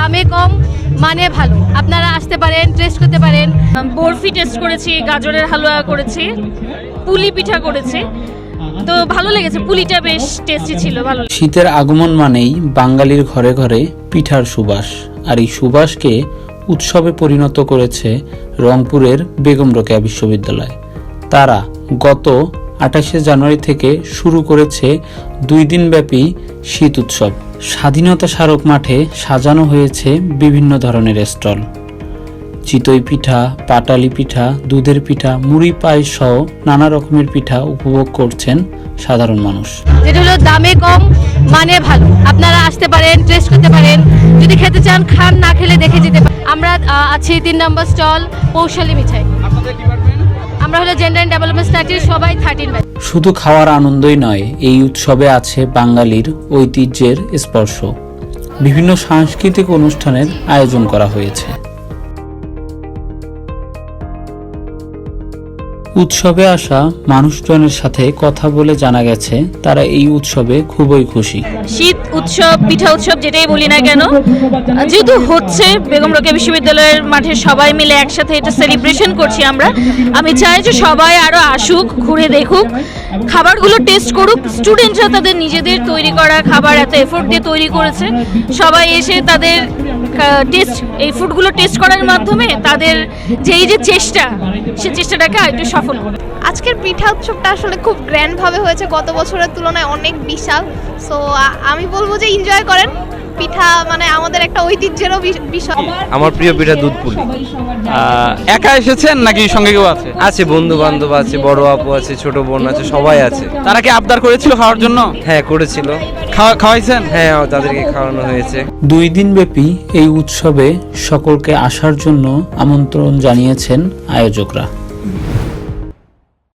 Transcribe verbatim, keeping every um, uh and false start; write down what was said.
দামে কম, মানে ভালো। আপনারা আসতে পারেন, টেস্ট করতে পারেন। বরফি টেস্ট করেছি, গাজরের হালুয়া করেছি, পুলি পিঠা করেছি, তো ভালো লেগেছে। পুলিটা বেশ টেস্টি ছিল, ভালো। শীতের আগমন মানেই বাঙালির ঘরে ঘরে পিঠার সুবাস, আর এই সুবাসকে উৎসবে পরিণত করেছে রংপুরের বেগম রোকেয়া বিশ্ববিদ্যালয়। তারা গত আঠাশে জানুয়ারি থেকে শুরু করেছে দুই দিনব্যাপী শীত উৎসব। স্বাধীনতা স্মারক মাঠে সাজানো হয়েছে বিভিন্ন ধরনের স্টল। চিতই পিঠা, পাটালি পিঠা, দুধের পিঠা, মুড়ি পায়েস সহ নানা রকমের পিঠা উপভোগ করছেন সাধারণ মানুষ। যেটা হলো দামে কম, মানে ভালো। আপনারা আসতে পারেন, টেস্ট করতে পারেন। যদি খেতে চান খান, না খেলে দেখে যেতে পারেন। আমরা আহ, আছি তিন নম্বর স্টল পৌশালী মিঠাই। আমরা হলো জেন্ডার অ্যান্ড ডেভেলপমেন্ট স্ট্র্যাটেজি, সবাই থার্টিন ব্যাচ। শুধু খাওয়ার আনন্দই নয়, এই উৎসবে আছে বাঙালির ঐতিহ্যের স্পর্শ। বিভিন্ন সাংস্কৃতিক অনুষ্ঠানের আয়োজন করা হয়েছে। উৎসবে আসা মানুষজনের সাথে কথা বলে জানা গেছে তারা এই উৎসবে খুবই খুশি। শীত উৎসব, পিঠা উৎসব যেটাই বলি না কেন, যেহেতু হচ্ছে বেগম রোকেয়া বিশ্ববিদ্যালয়ের মাঠে সবাই মিলে একসাথে এটা সেলিব্রেশন করছি আমরা। আমি চাই যে সবাই আরো আসুক, ঘুরে দেখুক, খাবারগুলো টেস্ট করুক। স্টুডেন্টরা তাদের নিজেদের তৈরি করা খাবার এত এফোর্ট দিয়ে তৈরি করেছে, সবাই এসে তাদের টেস্ট এই ফুডগুলো টেস্ট করার মাধ্যমে তাদের যে এই যে চেষ্টা, সে চেষ্টাটাকে একটু সফল করে। আজকের পিঠা উৎসবটা আসলে খুব গ্র্যান্ড ভাবে হয়েছে, গত বছরের তুলনায় অনেক বিশাল। সো আমি বলবো যে এনজয় করেন। পিঠা মানে আমাদের একটা ঐতিহ্যেরও বিষয়। আমার প্রিয় পিঠা দুধ পুলি। একা এসেছেন নাকি সঙ্গে কেউ আছে? আছে বন্ধু বান্ধব আছে, বড় আপু আছে, ছোট বোন আছে, সবাই আছে। তারা কি আবদার করেছিল খাওয়ার জন্য? হ্যাঁ করেছিল। খাওয়া খাওয়াইছেন? হ্যাঁ তাদেরকে খাওয়ানো হয়েছে। দুই দিনব্যাপী এই উৎসবে সকলকে আসার জন্য আমন্ত্রণ জানিয়েছেন আয়োজকরা।